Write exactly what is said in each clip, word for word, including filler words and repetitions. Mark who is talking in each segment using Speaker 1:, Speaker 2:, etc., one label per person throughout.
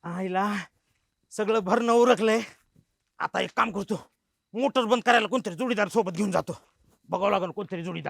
Speaker 1: आईला सगळं भरणं उरकलंय. आता एक काम करतो, मोटर बंद करायला कोणतरी जोडीदार सोबत घेऊन जातो. बघावं लागेल कोणतरी जोडीदार.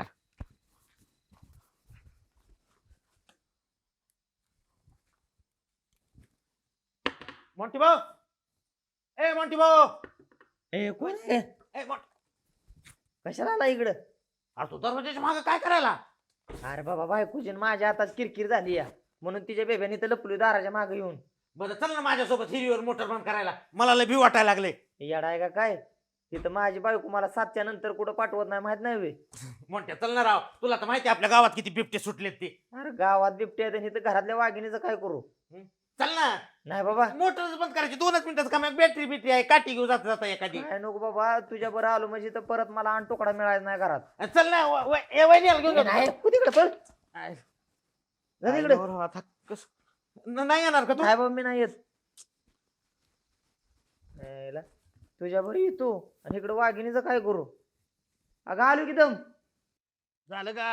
Speaker 1: मोंटी भाऊ, ए मोंटी भाऊ,
Speaker 2: ए कोण आहे?
Speaker 1: ए मोंटी,
Speaker 2: कशाला आला इकडं?
Speaker 1: अरे तू दरवाजाच्या मागे काय करायला?
Speaker 2: अरे बाबा बायकोची न माझ्या हातात किरकिर झाली या, म्हणून तिच्या बेब्याने तर लपली दाराच्या मागे येऊन.
Speaker 1: बरं चल ना माझ्यासोबत हिरीवर मोटर बंद करायला, मला लय भी वाटायला लागले.
Speaker 2: येडा आहे का काय? तिथं माझी बायको मला सातच्या नंतर कुठं पाठवत नाही, माहित नाही वे.
Speaker 1: मोठ्या चल ना राव, तुला तर माहिती आहे आपल्या गावात किती बिबटे सुटलेत ते.
Speaker 2: अरे गावात बिबट्या आहेत आणि इथं घरातल्या वाघिणीचं काय करू?
Speaker 1: चल ना,
Speaker 2: नाही बाबा
Speaker 1: मोटर बंद करायची, दोनच मिनिटाचं काम आहे. बॅटरी बिटरी आहे, काठी घेऊन जाता जाता एखादी.
Speaker 2: काय नको बाबा, तुझ्या बरं आलो म्हणजे तर परत मला आण तुकडा मिळायचा नाही घरात.
Speaker 1: चल ना व- व- ए वहिनीला घेऊन
Speaker 2: नाही,
Speaker 1: जातो.
Speaker 2: तू तिकडे पळ.
Speaker 1: आय-
Speaker 2: जा तिकडे.
Speaker 1: आय बरं, आता कस न- नाही येणार का तू?
Speaker 2: नाही बाबा मी नाही येत. यायला. तुझ्या बरं येतो आणि इकडे वाघिणीचं काय करू? अगं आलो की दम.
Speaker 1: झालं का?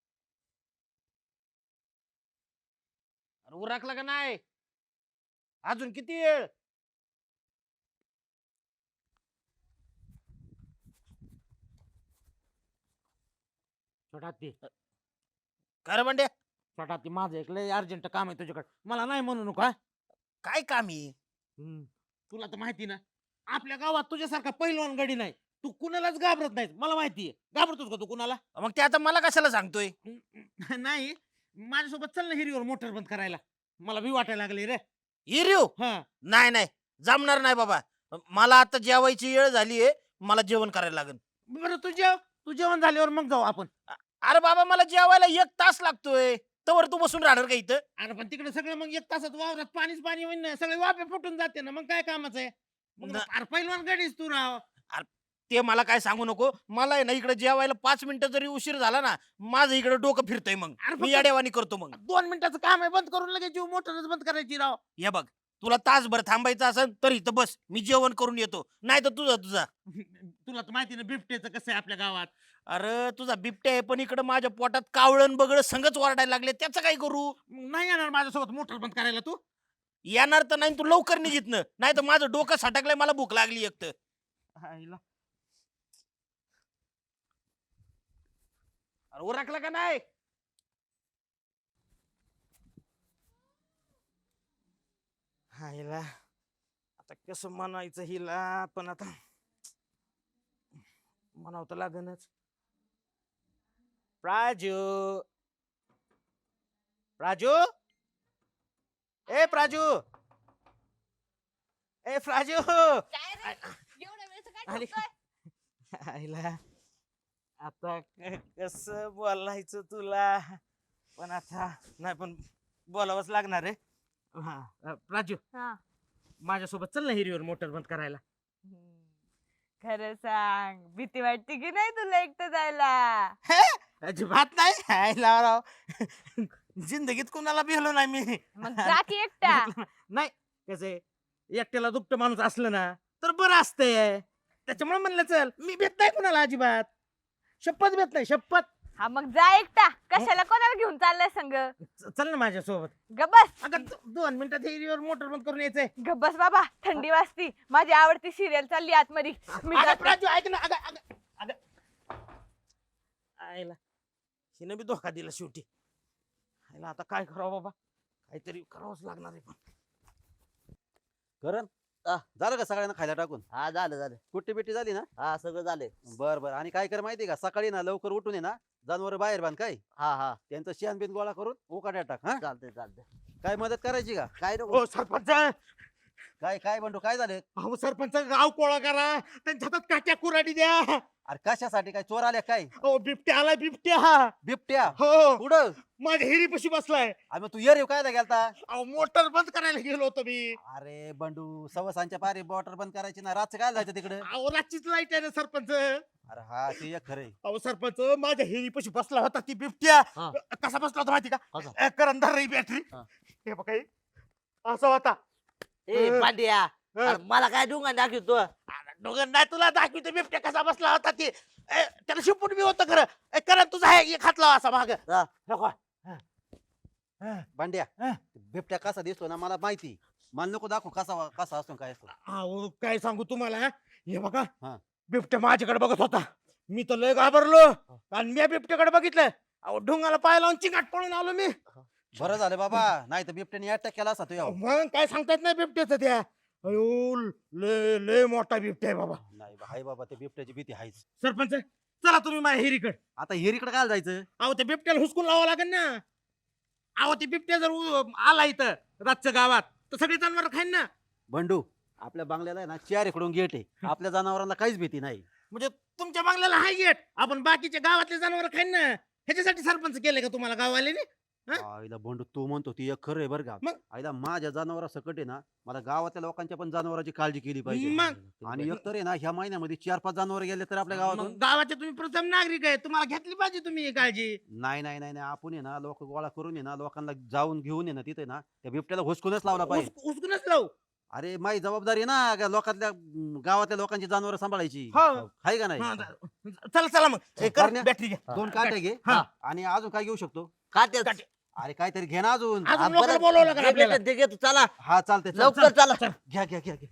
Speaker 1: अरे उरकला का नाही? अजून किती वेळ? छोटा हत्ती,
Speaker 3: खरं म्हणजे
Speaker 1: छोटा हत्ती, माझं एक लय अर्जंट काम आहे तुझ्याकडे, मला नाही म्हणू नका.
Speaker 3: काय काम आहे?
Speaker 1: हम्म. तुला तर माहिती ना, आपल्या गावात तुझ्यासारखा पहिलवान गडी नाही. तू कुणालाच घाबरत नाही, मला माहितीये. घाबरतोस का तू कुणाला?
Speaker 3: मग ते आता मला कशाला सांगतोय?
Speaker 1: नाही, माझ्यासोबत चल ना हिरीवर मोटर बंद करायला, मला भी वाटायला लागले रे.
Speaker 3: हिरिओ
Speaker 1: हा
Speaker 3: नाही नाही, जमणार नाही बाबा. मला आता जेवायची वेळ झालीये, मला जेवण करायला लागेल.
Speaker 1: बरं, तू जेव, तू जेवण झाल्यावर मग जाऊ आपण.
Speaker 3: अरे बाबा मला जेवायला एक तास लागतोय, तवर तू बसून राहणार का इथं?
Speaker 1: अरे पण तिकडे सगळं मग एक तासात वावरात पाणीच पाणी होईन ना, सगळे वाफे फुटून जाते ना, मग काय कामाचं आहे? मग
Speaker 3: न-
Speaker 1: अरे पहिलवान गडीच तू राव.
Speaker 3: ते मला काय सांगू नको. मला आहे ना इकडे जेवायला पाच मिनिटं जरी उशीर झाला ना, माझं इकडे डोकं फिरतंय. मग
Speaker 1: अरे
Speaker 3: मी
Speaker 1: फक्त-
Speaker 3: याडेवानी करतो. मग
Speaker 1: दोन मिनिटाचं काम आहे, बंद करून लगेच जीव मोटरच बंद करायची राव.
Speaker 3: हे बघ, तुला तासभर थांबायचं असेल तर इथं बस, मी जेवण करून येतो. नाही तर तुझा तुझा
Speaker 1: तुला तर माहिती ना बिबट्याचं कसं आहे आपल्या गावात.
Speaker 3: अरे तुझा बिबट्या आहे, पण इकडे माझ्या पोटात कावळण बगळ संगच वारडायला लागले. त्याचं काय करू?
Speaker 1: मग नाही येणार माझ्यासोबत मोटर बंद करायला तू?
Speaker 3: येणार तर नाही, तू लवकर निघितनं, नाही तर माझं डोकं सटकलंय, मला भूक लागली एक तर.
Speaker 1: आईला. अरे उरकला का नाही? आईला आता कसं म्हणायचं हिला, पण आता म्हणावं तर लागनच. प्राजू, प्राजू, ए प्राजू, ए प्राजू.
Speaker 4: काय रे? एवढ्या वेळचं काय
Speaker 1: आली.
Speaker 4: ठोकतोय?
Speaker 1: आईला आता कस बोलायचं तुला, पण आता नाही, पण बोलावंच लागणार आहे. हा अ, प्राजू,
Speaker 4: हा.
Speaker 1: माझ्यासोबत चल ना हिरीवर मोटर बंद करायला.
Speaker 4: हम्म. खरं सांग, भीती वाटते की नाही तुला एकटं जायला?
Speaker 1: अजिबात नाही. आईला राव, जिंदगीत कुणाला भिलो नाही मी.
Speaker 4: मग जा की एकटा.
Speaker 1: नाही, कसं एकट्याला दुपट माणूस असलं ना तर बरं असतंय. त्याच्यामुळे म्हणलं चल, मी भेट नाही कुणाला अजिबात, शपथ भेट नाही, शपथ.
Speaker 4: हा मग जा एकटा, कशाला कोणाला घेऊन चाललाय संग?
Speaker 1: च- चल ना माझ्यासोबत.
Speaker 4: गबस
Speaker 1: अगं दो- दोन मिनिटात हिरीवर मोटर बंद करून यायचंय.
Speaker 4: गबस बाबा, थंडी वाजती. माझी आवडती सिरियल चालली आतमध्ये. मी
Speaker 1: अगं
Speaker 4: जाते.
Speaker 1: प्राजू, ऐक ना. अगं अगं अगं आईला हिनं बी धोका दिला शेवटी. आईला आता काय करावं बाबा, काहीतरी करावंच लागणार आहे. पण
Speaker 5: करण आ, झालं का सगळ्यांना खायला टाकून?
Speaker 6: हा झालं झालं.
Speaker 5: कुट्टी बिट्टी झाली ना?
Speaker 6: हा सगळं झालंय.
Speaker 5: बर बर. आणि काय कर माहिती का, सकाळी ना लवकर उठून ये ना, जनावर बाहेर बांध काय,
Speaker 6: हा हा
Speaker 5: त्यांचं शेण बिन गोळा करून उकाड्या टाक. हा,
Speaker 6: चालतंय चालतंय.
Speaker 5: काय मदत करायची का?
Speaker 6: काय नको.
Speaker 1: ओ सरपंच,
Speaker 5: काय काय म्हणतो, काय झालं?
Speaker 1: अहो सरपंच, गाव कोळा करा, त्यांच्या हातात काट्या कुराडी द्या.
Speaker 5: अरे कशासाठी, काय चोर आले काय?
Speaker 1: ओ बिबट्या आलाय, बिबट्या.
Speaker 5: बिबट्या
Speaker 1: हो,
Speaker 5: कुठं?
Speaker 1: माझ्या हिरीपाशी बसलाय.
Speaker 5: अरे मग तू ये रे, काय गेलता?
Speaker 1: अहो मोटर बंद करायला गेलो होतो मी.
Speaker 5: अरे बंडू, सवसांच्या पारी बॉटर बंद करायची ना, रातचं काय जायचं तिकडे?
Speaker 1: अहो रातचीच लाईट आहे ना सरपंच.
Speaker 5: अरे हा, ते एक खरंय.
Speaker 1: अहो सरपंच, माझ्या हिरीपाशी बसला होता ती बिबट्या.
Speaker 6: हा.
Speaker 1: कसा बसला होता माहिती का?
Speaker 6: कसा?
Speaker 1: अ, करंदार रे बॅटरी.
Speaker 6: हा.
Speaker 1: हे बघा, हे. असा होता.
Speaker 6: ए
Speaker 1: अं,
Speaker 6: पांड्या,
Speaker 1: अं.
Speaker 6: अरे मला काय डोंगा दाखवतो?
Speaker 1: अरे, डोंगर नाही तुला दाखवितो, बिबट्या कसा बसला होता ते. ए, त्याला शिपूट बी होतं खरं. ए, करण तुझा आहे एक हात लावा असा माग.
Speaker 6: हा.
Speaker 5: भांड्या,
Speaker 1: हा.
Speaker 5: बिबट्या कसा दिसतो ना मला माहिती. मला नको दाखव कसा कसा असतो काय असतो.
Speaker 1: अहो काय सांगू तुम्हाला हे बघा
Speaker 5: हा.
Speaker 1: बिबट्या माझ्याकडे बघत होता. मी तर लय घाबरलो आणि मी बिबट्याकडे बघितलं. अहो ढुंगाला पाय लावून चिंगाट पळून आलो मी.
Speaker 5: बरं झालं बाबा, नाही तर बिबट्याने अटॅक केला असता तुझ्यावर.
Speaker 1: मग काय सांगता येत नाही बिबट्याचं त्या. अयो लय लय मोठा बिबट्या आहे बाबा.
Speaker 5: नाही बा- हाय बाबा, ते बिबट्याची भीती आहेच.
Speaker 1: सरपंच चला तुम्ही माझ्या हिरीकडे.
Speaker 5: आता हिरीकडे काय जायचं?
Speaker 1: अहो ते बिबट्याला हुसकून लावावं लागेल ना. अहो ते बिबट्या जर उ- आला इथं रातच्या गावात तर सगळी जनावर खाईन ना.
Speaker 5: बंडू, आपल्या बंगल्याला आहे ना चार इकडून गेट आहे. आपल्या जनावरांना काहीच भीती नाही.
Speaker 1: म्हणजे तुमच्या बंगल्याला हाय गेट, आपण बाकीच्या गावातले जनावर खाईन ना. ह्याच्यासाठी सरपंच केले का तुम्हाला गाववाल्याने? हा?
Speaker 5: आईला बंडू, तू म्हणतो ती एक खरं आहे बरं का.
Speaker 1: मग?
Speaker 5: आईला माझ्या जनावरा सकट आहे ना, मला गावातल्या लोकांच्या पण जनावरांची काळजी केली पाहिजे.
Speaker 1: मग?
Speaker 5: आणि एकतर आहे ना, ह्या महिन्यामध्ये चार पाच जनावर गेले तर आपल्या
Speaker 1: मग
Speaker 5: गावातून.
Speaker 1: गावाचे तुम्ही प्रथम नागरिक आहे, तुम्हाला घेतली पाहिजे तुम्ही ही काळजी.
Speaker 5: नाही नाही नाही नाही, आपण आहे ना लोक गोळा करून आहे ना लोकांना जाऊन घेऊन आहे ना तिथे ना त्या बिबट्याला हुसकूनच लावला पाहिजे.
Speaker 1: उस- उचकूनच लावू.
Speaker 5: अरे माझी जबाबदारी आहे ना का लोकातल्या अं, गावातल्या लोकांची जनावर सांभाळायची.
Speaker 1: हो.
Speaker 5: आहे का नाही?
Speaker 1: हा, चला चला मग हे कर,
Speaker 5: करण्या-
Speaker 1: बॅटरी घ्या.
Speaker 5: दोन काटे घे.
Speaker 1: हा.
Speaker 5: आणि अजून काय घेऊ शकतो?
Speaker 6: काट्यात
Speaker 1: काटे.
Speaker 5: अरे काहीतरी घे ना अजून.
Speaker 1: अजून
Speaker 6: हा,
Speaker 1: लोकांना
Speaker 6: बरं,
Speaker 1: बोलावं लागेल
Speaker 6: जे
Speaker 1: आपल्याला.
Speaker 6: भेटेल ते घेतो चला
Speaker 5: हा चालते
Speaker 6: लवकर चला
Speaker 5: घ्या घ्या घ्या घ्या.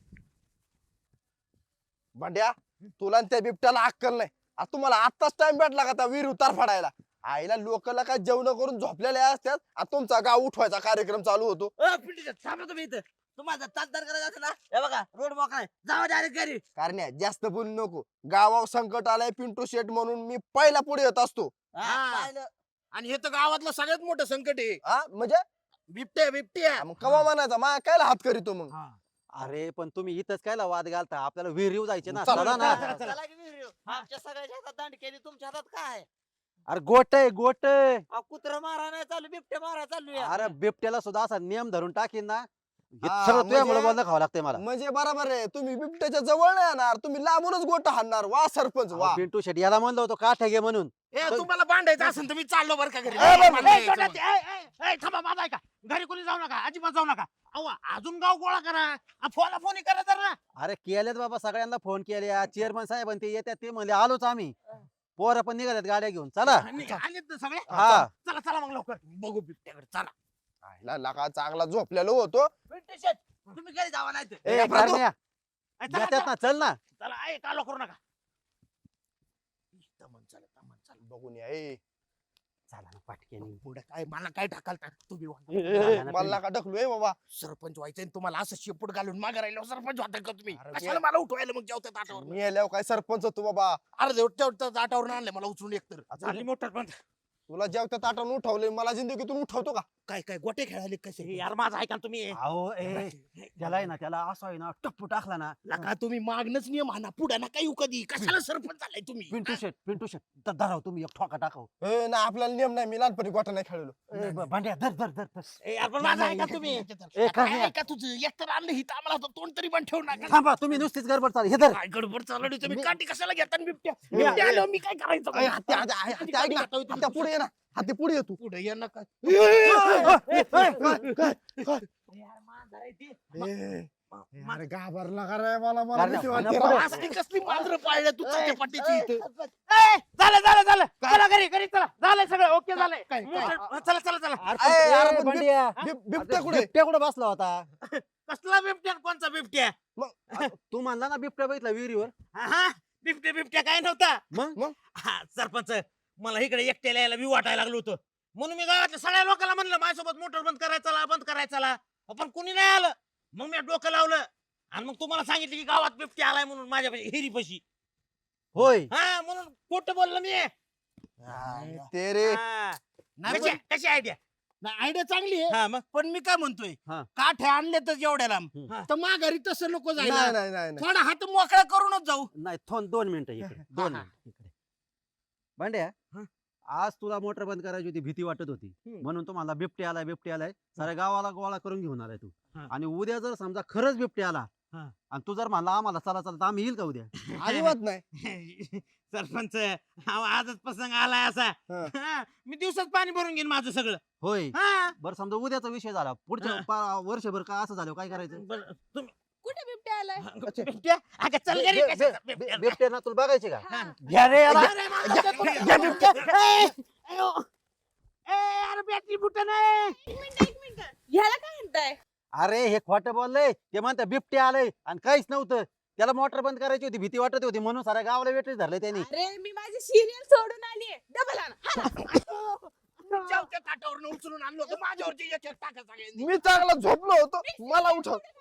Speaker 7: भांड्या, तुला आणि त्या बिबट्याला अक्कल नाही. आ, तुम्हाला आत्ताच टाइम भेटला का त्या विहीर उतार फाडायला? आईला लोकला काय जेवण करून झोपलेले असतात आणि तुमचा गाव उठवायचा कार्यक्रम चालू होतो.
Speaker 6: अ, पिंटू, थांबा तुम्ही इथं. तुम्हाला तासदार करायचं असेल ना, हे बघा रोड मोकळा आहे, जावा डायरेक्ट घरी.
Speaker 7: कारण जास्त बोलू नको. गावावर संकट आलंय पिंटू शेट म्हणून मी पहिला पुढे येत असतो.
Speaker 6: हा,
Speaker 1: हा.
Speaker 6: पाहिलं.
Speaker 3: आणि हे तर गावातलं सगळ्यात मोठं संकट आहे.
Speaker 7: हा म्हणजे
Speaker 3: बिबट्या बिबट्या
Speaker 7: मग कवा म्हणायचा मा काय हात करीतो मग?
Speaker 5: अरे पण तुम्ही इथंच कायला वाद घालता? आपल्याला विहीर येऊ जायचे ना.
Speaker 7: चला,
Speaker 5: चला ना.
Speaker 6: चला, चला की विहिरीवर. आमच्या सगळ्याच्या हातात दांड केली, तुमच्या हातात काय?
Speaker 5: अरे गोट आहे गोट.
Speaker 6: अहो, कुत्रं मारा नाही चालू, बिबट्या मारा चालू आहे.
Speaker 5: अरे बिबट्याला सुद्धा असा नियम धरून टाकीन ना. हे
Speaker 7: हा,
Speaker 5: सगळं तुझ्यामुळे
Speaker 7: म्हणजे-
Speaker 5: बोलणं खावं लागतंय मला.
Speaker 7: म्हणजे बरोबर आहे, तुम्ही बिबट्याच्या जवळ नाही येणार, तुम्ही लांबूनच गोट हाणणार. वा सरपंच वा.
Speaker 5: अहो, पिंटू शेट याला म्हणलं होतं काठ्या घे म्हणून.
Speaker 3: ए तुम्हाला भांडायचं असेल तर मी चाललो बरं का घरी.
Speaker 7: ए, बरं,
Speaker 3: मला
Speaker 1: ए, छोटा
Speaker 3: यायचं
Speaker 1: ते, ए, ए, ए, थांबा माझा ऐका. घरी कोणी जाऊ नका, अजिबात जाऊ नका. अहो अजून गाव गोळा करा. फोन फोन करा जरा.
Speaker 5: अरे केलेत बाबा, सगळ्यांना फोन केले. चेअरमन साहेब ते येतात, ते म्हणले आलोच आम्ही. पोरं पण निघाल्यात गाड्या घेऊन. चला.
Speaker 1: आणि आलेत ना सगळे.
Speaker 5: हा.
Speaker 1: चला चला मग लवकर बघू बिबट्याकडे. चला.
Speaker 7: आईला लका चांगला झोपलेलो होतो.
Speaker 6: पिंटू शेट, तुम्ही घरी जावा नाही तर.
Speaker 5: ए,
Speaker 7: ए, प्रभू.
Speaker 5: करण्या,
Speaker 1: ए, चला,
Speaker 5: येतात
Speaker 1: चला.
Speaker 5: ना, चल ना.
Speaker 1: चला ए, कालो करू नका. तमन चला, तमन चला.
Speaker 7: बघून या. ए,
Speaker 5: चला ना पाटक्यानी.
Speaker 3: पुढे काय मला काय ढकलता तुम्ही वा.
Speaker 7: ए, ए, मला नका ढकलू बाबा.
Speaker 3: सरपंच व्हायचं आणि तुम्हाला असं शेपूट घालून मागे राहिलो सरपंच होता का तुम्ही?
Speaker 7: अरे
Speaker 3: कशाला
Speaker 7: मी-
Speaker 3: मला उठवायला मग जेवतात आठावर?
Speaker 7: मी आल्यावर काय सरपंच होतो बाबा.
Speaker 3: अरे जेवढ्या जेवढ्या आठावर आणले मला उचलून एकतर.
Speaker 1: झाली मोटर पण.
Speaker 7: तुला जेवत्या ताटावून उठवले, मला जिंदगीतून उठवतो का?
Speaker 3: काय काय गोटे खेळाले
Speaker 1: ए,
Speaker 3: कसे?
Speaker 1: यार माझा ऐका ना तुम्ही.
Speaker 5: अहो ए, त्याला आहे ना, त्याला असं आहे ना टप्पू टाकला ना.
Speaker 3: लका तुम्ही मागणंच नियम आणा पुढे ना काही कधी कशाला सरपंच झालाय तुम्ही?
Speaker 5: पिंटू शेट पिंटू शेट द- धराव तुम्ही एक ठोका टाकाव.
Speaker 7: ए, ना आपल्याला नियम नाही, मी लहानपणी गोटा नाही खेळलो.
Speaker 5: ए, ब- भांड्या धर धर धर धर.
Speaker 1: ए, यार पण माझा ऐका तुम्ही.
Speaker 5: ए,
Speaker 3: काय
Speaker 5: करण्या.
Speaker 3: ऐका तुझं एकतर आणलं हिथं आम्हाला तर तोंड तरी पण ठेवू नका.
Speaker 5: थांबा, तुम्ही नुसतीच गडबड चालू. हे धर.
Speaker 3: काय गडबड चालवली तुम्ही?
Speaker 5: मी-
Speaker 3: काठी कशाला घेता आणि बिबट्या?
Speaker 7: ए,
Speaker 3: बिबट्या
Speaker 7: ए,
Speaker 3: आल्यावर मी काय करायचं?
Speaker 7: ए, हत्ती, हत्ती, हत्ती, हत्ती, ऐक ना. हत्ती, पुढे ये ना. हत्ती, पुढे ये तू.
Speaker 3: पुढे ये नका.
Speaker 1: यार माझा आहे ते.
Speaker 7: ए,
Speaker 1: मा-
Speaker 7: अरे घाबरला का रे? मला मला
Speaker 5: कारण-
Speaker 7: भीती वाटते
Speaker 5: आणि
Speaker 7: राव.
Speaker 5: पुढे-
Speaker 3: असली कसली मांजरं पाळल्या तू त्याच्या पाठीची इथं?
Speaker 1: ए, झालं झालं झालं. चला घरी घरी चला. झालंय सगळं ओके झालंय.
Speaker 3: काय- काय?
Speaker 1: मोटर- चला चला चला.
Speaker 5: अरे,
Speaker 7: ए, अरे,
Speaker 5: ए,
Speaker 7: पण
Speaker 5: भांड्या.
Speaker 7: बिब- बिबट्या कुठे?
Speaker 5: बिबट्या कुठे बसला होता?
Speaker 1: कसला बिबट्या आणि कोणचा बिबट्या?
Speaker 5: तू म्हणला ना बिबट्या बघितला विहिरीवर.
Speaker 1: हा, हा बिबट्या बिबट्या काय नव्हता.
Speaker 5: मग
Speaker 7: मग?
Speaker 1: हा सरपंच, मला इकडे एकट्याला यायला बी वाटायला लागलो होतं. म्हणून मी गावातल्या सगळ्या लोकांना म्हणलं माझ्यासोबत मोटर बंद करायचा चला बंद करायचा चला. पण कुणी नाही आलं. मग मी डोकं लावलं आणि मग तुम्हाला सांगितलं की गावात बिबट्या आलाय म्हणून माझ्या हिरीपाशी.
Speaker 5: होय.
Speaker 1: हा म्हणून खोटं बोललो मी.
Speaker 7: ते रे
Speaker 1: हा.
Speaker 3: नाही
Speaker 1: कशी
Speaker 3: पण-
Speaker 1: कशी आयडिया?
Speaker 3: आयडिया चांगली आहे
Speaker 1: हा मग
Speaker 3: पण मी काय म्हणतोय
Speaker 5: हा.
Speaker 3: काठे आणले तर एवढ्या लांब
Speaker 5: हम्म.
Speaker 3: तर माघारी तसं नको
Speaker 7: नाही
Speaker 3: जायला.
Speaker 7: नाही नाही नाही.
Speaker 3: थोडा हात मोकळा करूनच जाऊ.
Speaker 5: नाही थोन दोन मिनिटं इकडे दोन
Speaker 1: हा.
Speaker 5: मिनिटं इकडे. भांड्या,
Speaker 1: हा.
Speaker 5: आज तुला मोटर बंद करायची होती, भीती वाटत होती
Speaker 1: हम्म.
Speaker 5: म्हणून तुम्हाला बिबटे आलाय बिबटे आलाय साऱ्या गावाला गोळा करून घेऊन आलाय तू.
Speaker 1: हा.
Speaker 5: आणि उद्या जर समजा खरंच बिबटे आला
Speaker 1: हा.
Speaker 5: आणि तू जर म्हणला आम्हाला चला चला तर आम्ही येईल का उद्या?
Speaker 7: अजिबात नाही.
Speaker 1: सरपंच अहो, आजच प्रसंग आलाय असा.
Speaker 7: हा.
Speaker 1: हा, मी दिवसात पाणी भरून घेईन माझं सगळं.
Speaker 5: होय.
Speaker 1: हा
Speaker 5: बरं समजा उद्याचा विषय झाला, पुढच्या
Speaker 1: हा.
Speaker 5: पा- वर्षभर का असं झालं काय करायचं?
Speaker 1: बरं, तुम्ही
Speaker 4: कुठे बिबट्या आलाय?
Speaker 1: बिबट्या? अगं, चल घरी
Speaker 5: बे-
Speaker 1: कशाचा
Speaker 5: बे-
Speaker 1: बिबट्या?
Speaker 5: बे- बिबटे ना तुला बघायचे का?
Speaker 1: हा.
Speaker 5: घ्या रे याला.
Speaker 1: अरे, मला तर कोणी- घ्या बिबट्या. ए, अयो. ए, अरे बॅटरी फुटत नाही.
Speaker 4: एक मिनिट एक मिनिट ह्याला काय म्हणताय?
Speaker 5: अरे हे खोटं बोललंय ते म्हणतात बिबटे आलंय आणि काहीच नव्हतं. त्याला मोटर बंद करायची होती, भीती वाटत होती म्हणून साऱ्या गावाला वेटच धरलंय त्यांनी.
Speaker 4: अरे मी माझी सिरियल सोडून आली डबल आण
Speaker 3: जेवत्या ताटावरून उचलून आणलं होतं माझ्यावरची एक एक टाका सगळ्यांनी.
Speaker 7: मी चांगला झोपलो होतो मला उठव